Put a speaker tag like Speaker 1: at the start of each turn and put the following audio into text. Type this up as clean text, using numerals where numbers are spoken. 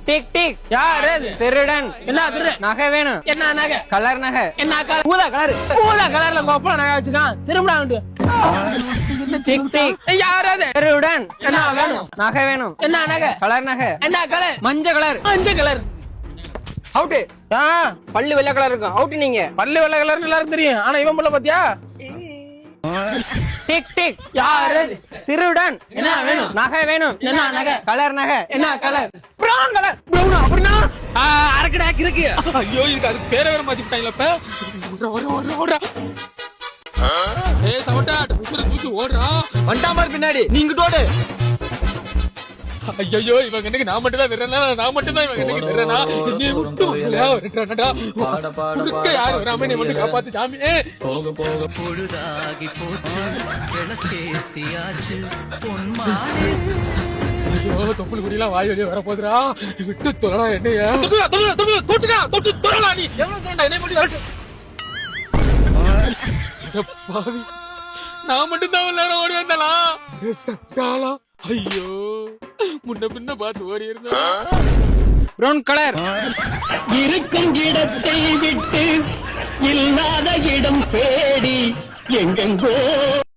Speaker 1: Tick tick.
Speaker 2: யார் அது?
Speaker 1: திருடன்.
Speaker 2: என்ன திருடன்?
Speaker 1: நகை வேணும்.
Speaker 2: என்ன நகை?
Speaker 1: கலர் நகை.
Speaker 2: என்ன கலர்?
Speaker 1: ஊதா கலர்.
Speaker 2: ஊதா கலர்ல கோப்பா நகை வச்சுக்கான். திரும்படா வந்து.
Speaker 1: Tick tick.
Speaker 2: யார் அது?
Speaker 1: திருடன்.
Speaker 2: என்ன வேணும்?
Speaker 1: நகை வேணும்.
Speaker 2: என்ன நகை?
Speaker 1: கலர் நகை.
Speaker 2: என்ன கலர்?
Speaker 1: மஞ்சள் கலர்.
Speaker 2: மஞ்சள் கலர்.
Speaker 1: அவுட். பல்லு வெள்ளை கலர் இருக்கும். அவுட் நீங்க.
Speaker 2: பல்லு வெள்ளை கலர்னு எல்லாரும் தெரியும். ஆனா இவன் பல்ல பாத்தியா?
Speaker 1: Tick tick.
Speaker 2: யார் அது?
Speaker 1: திருடன்.
Speaker 2: என்ன வேணும்?
Speaker 1: நகை வேணும்.
Speaker 2: என்ன நகை?
Speaker 1: கலர் நகை.
Speaker 2: என்ன கலர்?
Speaker 1: Brown colour.
Speaker 2: பிரவுனா? அப்படினா
Speaker 1: அரக்கடா இருக்கு.
Speaker 2: ஐயோ இதுக்கு அது பேரை வேற மாத்திட்டாங்களா இப்ப? ஓடுறா. ஏய் சவட்டா உசுர தூக்கி ஓடுறா.
Speaker 1: வண்டாம பின்னாடி நீங்க ஓடு.
Speaker 2: ஐயோ இவன் கண்ணுக்கு நான் மட்டும் தான் விடுறேனா? நான் மட்டும் தான் இவன் கண்ணுக்கு விடுறேனா? நீ விட்டு விட்டுறானடா. உனக்கு யார் வராம நீ மட்டும் காப்பாத்து சாமி.
Speaker 3: போக போக பொழுதாகி போச்சு விளக்கேத்தியாச்சு பொன்மானே.
Speaker 2: ஐயோ தொப்புள் குடியெல்லாம் வாய் வெளியே வர போதுரா. விட்டு தொழடா என்னையா. தொட்டு தொழடா நீ. எவ்வளவு தொழடா என்னை மட்டும் வரட்டு. பாவி நான் மட்டும் தான் எல்லாரும் ஓடி வந்தாளா? சட்டாளா. ஐயோ முன்ன பின்ன பார்த்து ஓடி இருந்தா.
Speaker 1: Brown colour.
Speaker 4: இருக்கும் இடத்தை விட்டு இல்லாத இடம் தேடி எங்கெங்கோ